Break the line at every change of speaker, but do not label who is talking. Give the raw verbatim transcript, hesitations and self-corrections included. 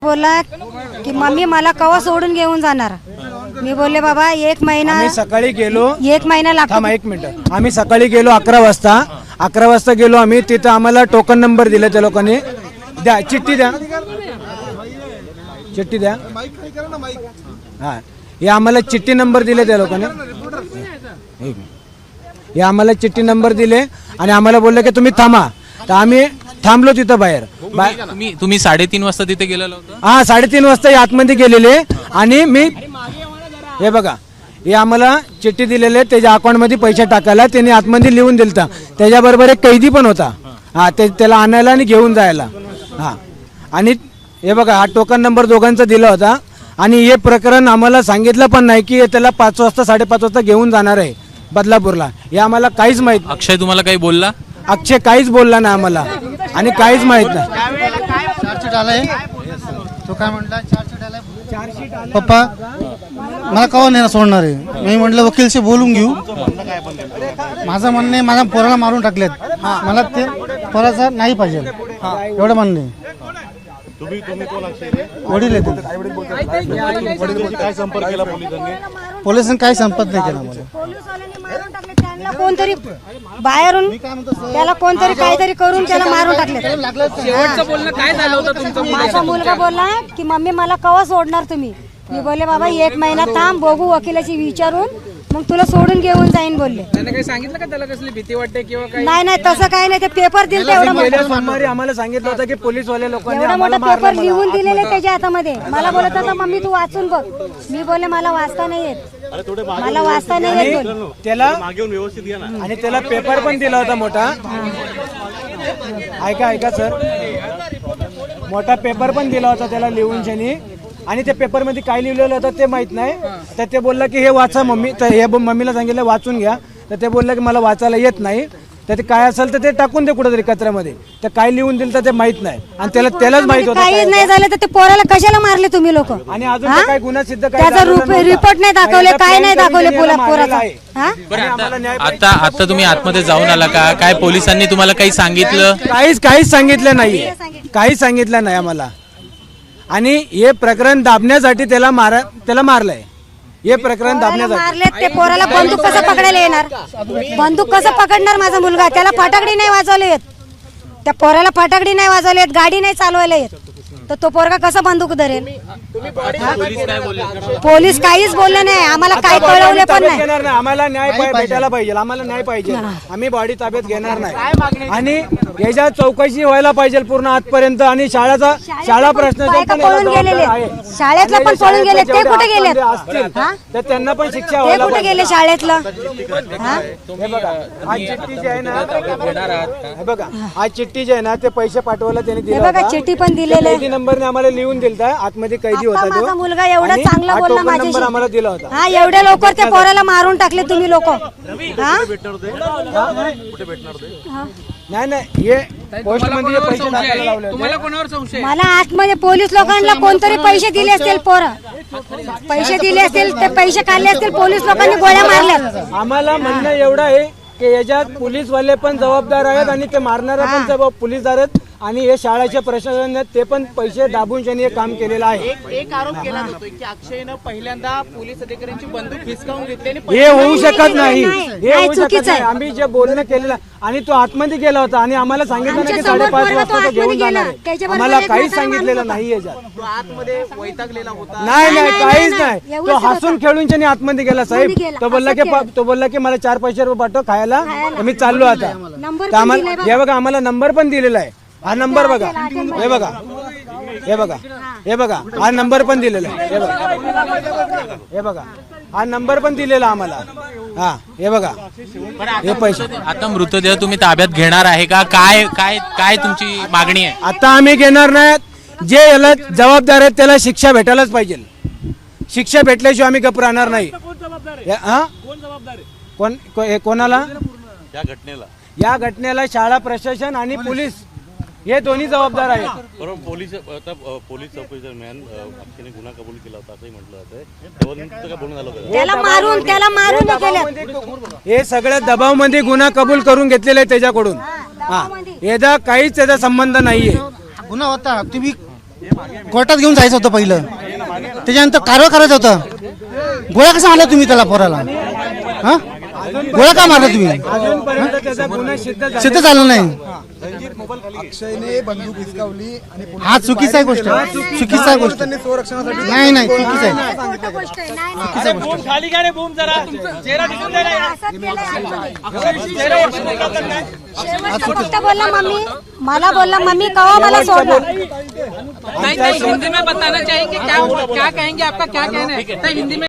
बोला की मम्मी मला कवा सोडून घेऊन जाणार। मी बोलले बाबा एक महिना
आम्ही सकाळी गेलो
एक महिना लागतो।
थांबा एक मिनिट। आम्ही सकाळी गेलो अकरा वाजता अकरा वाजता गेलो आम्ही तिथं आम्हाला टोकन नंबर दिले त्या लोकांनी। द्या चिठ्ठी द्या चिठ्ठी द्या हां हे आम्हाला चिठ्ठी नंबर दिले त्या लोकांनी। हे आम्हाला चिठ्ठी नंबर दिले आणि आम्हाला बोलले की तुम्ही थांबा। तर आम्ही थांबलो तिथं बाहेर।
तुम्ही तुम्ही साडेतीन वाजता तिथे गेलेला होता?
हा साडेतीन वाजता आतमध्ये गेलेले आणि मी हे बघा हे आम्हाला चिठ्ठी दिलेले त्याच्या अकाउंटमध्ये पैसे टाकायला त्यांनी आतमध्ये लिहून दिलता। त्याच्याबरोबर एक कैदी पण होता हा ते त्याला आणायला आणि घेऊन जायला। हा आणि हे बघा हा टोकन नंबर दोघांचा दिला होता आणि हे प्रकरण आम्हाला सांगितलं पण नाही की त्याला पाच वाजता साडेपाच वाजता घेऊन जाणार आहे बदलापूरला। हे आम्हाला काहीच माहित।
अक्षय तुम्हाला काही बोलला?
अक्षय काहीच बोलला नाही आम्हाला आणि काहीच माहित नाही।
चार्जशीट आलाय तो काय म्हटला चार्जशीट आलाय पप्पा मला कवा नाही सोडणार आहे। मी म्हटलं वकीलशी बोलून घेऊ। माझं म्हणणं आहे माझ्या पोराला मारून टाकलेत मला ते पोराचा नाही पाहिजे एवढं म्हणणं आहे। वडील पोलिसांनी काय संपर्क नाही केला मला।
कोणतरी बाहेरून त्याला कोणतरी काहीतरी करून त्याला मारून टाकले।
शेवटचं बोलणं काय झालं होतं तुमचं?
माझा मुलगा बोलला की मम्मी मला कवा सोडणार तुम्ही। मी बोलले बाबा एक महिना थांब बघू वकिलाची विचारून मग तुला सोडून घेऊन जाईन बोलले।
त्याने काही सांगितलं का त्याला कसली भीती वाटते किंवा काय?
नाही नाही तसं काही नाही। ते पेपर दिले एवढा मोठा
सोमवारी आम्हाला सांगितलं होतं की पोलीस वाले लोकांनी
एवढा मोठा पेपर लिहून दिलेले त्याच्या हातामध्ये। मला बोलत होता मम्मी तू वाचून बघ। मी बोलले मला वाचता नाही येत मला वाचता नाही येत बोल।
त्याला आणि त्याला पेपर पण दिला होता मोठा। ऐका ऐका सर मोठा पेपर पण दिला होता त्याला लिहून शनी आणि त्या पेपर मध्ये काय लिहिलेलं होतं ते माहित नाही। तर ते बोलला की हे वाचा मम्मी। तर हे मम्मीला सांगितलं वाचून घ्या। तर ते बोललं की मला वाचायला येत नाही। तर ते काय असेल तर ते टाकून दे कुठेतरी कचऱ्यामध्ये। तर काय लिहून दिलं तर ते माहित नाही आणि त्याला त्यालाच माहित होतं
काहीच नाही झालं तर ते पोराला कशाला मारले तुम्ही लोक?
आणि अजून तर काय गुन्हा सिद्ध काय
त्याचा रिपोर्ट नाही दाखवले काय नाही दाखवले पोराचा।
बरं, आता आता आता तुम्ही आतमध्ये जाऊन आला का? काय पोलिसांनी तुम्हाला काही सांगितलं?
काहीच काहीच सांगितलं नाही काहीच सांगितलं नाही आम्हाला। आणि हे प्रकरण दाबण्यासाठी त्याला मारा त्याला मारलंय। हे प्रकरण दाबण्यासाठी
मारले। ते पोराला बंदूक कसं पकडायला येणार? बंदूक कसं पकडणार माझा मुलगा? त्याला फटाकडी नाही वाजवले येत। त्या पोराला फटाकडी नाही वाजवले येत गाडी नाही चालवायला येत तर तो पोरगा कसा बंदूक धरेल? पोलीस काहीच बोलले नाही आम्हाला काय कळवले पण नाही।
घेणार नाही आम्हाला न्याय भेटायला पाहिजे आम्हाला न्याय पाहिजे। आम्ही बॉडी ताब्यात घेणार नाही आणि याच्या चौकशी व्हायला पाहिजे पूर्ण आजपर्यंत। आणि शाळेचा शाळा प्रश्न
पळून गेलेले शाळेतला पण पळून गेले ते कुठे गेले?
तर त्यांना पण शिक्षा
ते
व्हायला
कुठे गेले शाळेतलं?
हे बघा आज चिठ्ठी जी आहे ना हे बघा आज चिठ्ठी जी आहे ना ते पैसे पाठवायला त्यांनी दिले
बघा चिठ्ठी पण दिलेले
कैदी नंबरने आम्हाला लिहून दिलता। आतमध्ये कैदी होता तो।
माझा मुलगा एवढा चांगला बोलला माझ्याशी
आम्हाला दिला होता।
हा एवढ्या लवकर त्या पोराला मारून टाकले तुम्ही लोक।
नाही नाही हे पोस्ट मध्ये पैसे टाकायला लावले होते।
तुम्हाला कोणावर संशय?
मला आतमध्ये पोलीस लोकांना कोणतरी पैसे दिले असतील पोरं पैसे दिले असतील ते पैसे काढले असतील पोलीस लोकांनी गोळ्या मारल्या।
आम्हाला म्हणणं एवढं आहे की याच्यात पोलीस वाले पण जबाबदार आहेत आणि ते मारणारा पण जबाब पोलीसदार आहेत आणि हे शाळेच्या प्रशासनाने ते पण पैसे दाबून त्यांनी हे काम केलेलं आहे।
एक एक आरोप केला जातोय की अक्षयनं पहिल्यांदा पोलीस अधिकाऱ्यांची बंदूक हिसकावून घेतली आणि
हे होऊ शकत नाही
नाही,
हे होऊ शकत
चुकीचं
नाही।
आहे।
आम्ही जे बोलणं केलेलं आणि तो आतमध्ये गेला होता आणि आम्हाला सांगितलं ना की
आमच्या समोर
साडेपाच
पोरगा तो
वाजता तो
आतमध्ये
घेऊन जाणार
गेला।
आहे।
त्याच्याबरोबर
आम्हाला
एक
काहीच
म्हातारा
सांगितलेलं
माणूस
नाही याच्यात
तो आतमध्ये वैतागलेला होता।
नाही नाही
नाही,
काहीच
नाही,
नाही।
एवढंच
तो
होतं.
हसून खेळून त्याने आतमध्ये गेला साहेब।
आतमध्ये गेला,
तो बोलला की
असं केलं.
तो बोलला की मला चार पैसे रुपये पाठव खायला तर मी चाललो आता।
नंबर
तर
पण
आम्हाला
दिलाय बघा.
हे बघा आम्हाला नंबर पण दिलेला आहे। हा नंबर बघा हे बघा हे बघा हे बघा हा नंबर पण दिलेला आहे। हे बघा हे बघा हा नंबर पण दिलेला आम्हाला। हा हे बघा हे पैसे।
आता मृतदेह तुम्ही ताब्यात घेणार आहे का? काय काय काय तुमची मागणी आहे?
आता आम्ही घेणार नाही। जे याला जबाबदार आहेत त्याला शिक्षा भेटायलाच पाहिजे। शिक्षा भेटल्याशिवाय आम्ही गप राहणार नाही। हा कोण को- कोणाला
या घटनेला
या घटनेला शाळा प्रशासन आणि पोलीस हे दोन्ही जबाबदार आहेत।
बरोबर पोलीस आता पोलीस चौकशी दरम्यान अक्षयने गुन्हा कबूल केला होता असंही म्हटलं जातंय। तेव्हा नेमकं काय बोलणं झालं होतं?
त्याला मारून त्याला मारून हे केलं।
हे सगळ्या दबावमध्ये गुन्हा कबूल करून घेतलेले आहे त्याच्याकडून। हा याचा काहीच त्याचा संबंध नाहीये।
गुन्हा होता तुम्ही कोर्टात घेऊन जायचं होतं पहिलं, त्याच्यानंतर कारवाई करायचं होतं. गोळ्या कसा मारला तुम्ही त्याला पोराला? हा गोळ्या का मारला तुम्ही?
अजूनपर्यंत त्याचा गुन्हा सिद्ध झाला
सिद्ध झालं नाही.
अक्षयने बंदूक हिसकावली आणि
हा चुकीचा आहे गोष्ट, चुकीचा आहे गोष्ट. नाही नाही चुकीचं आहे.
अरे बूम खाली का रे बूम जरा तुमचं चेहरा दिसून दे ना.
शेवटचं फक्त बोलला मम्मी, मला बोलला मम्मी कवा मला सोडला.
नहीं नहीं हिंदी में बताना चाहिए कि क्या क्या कहेंगे, आपका क्या कहना है? नहीं, हिंदी में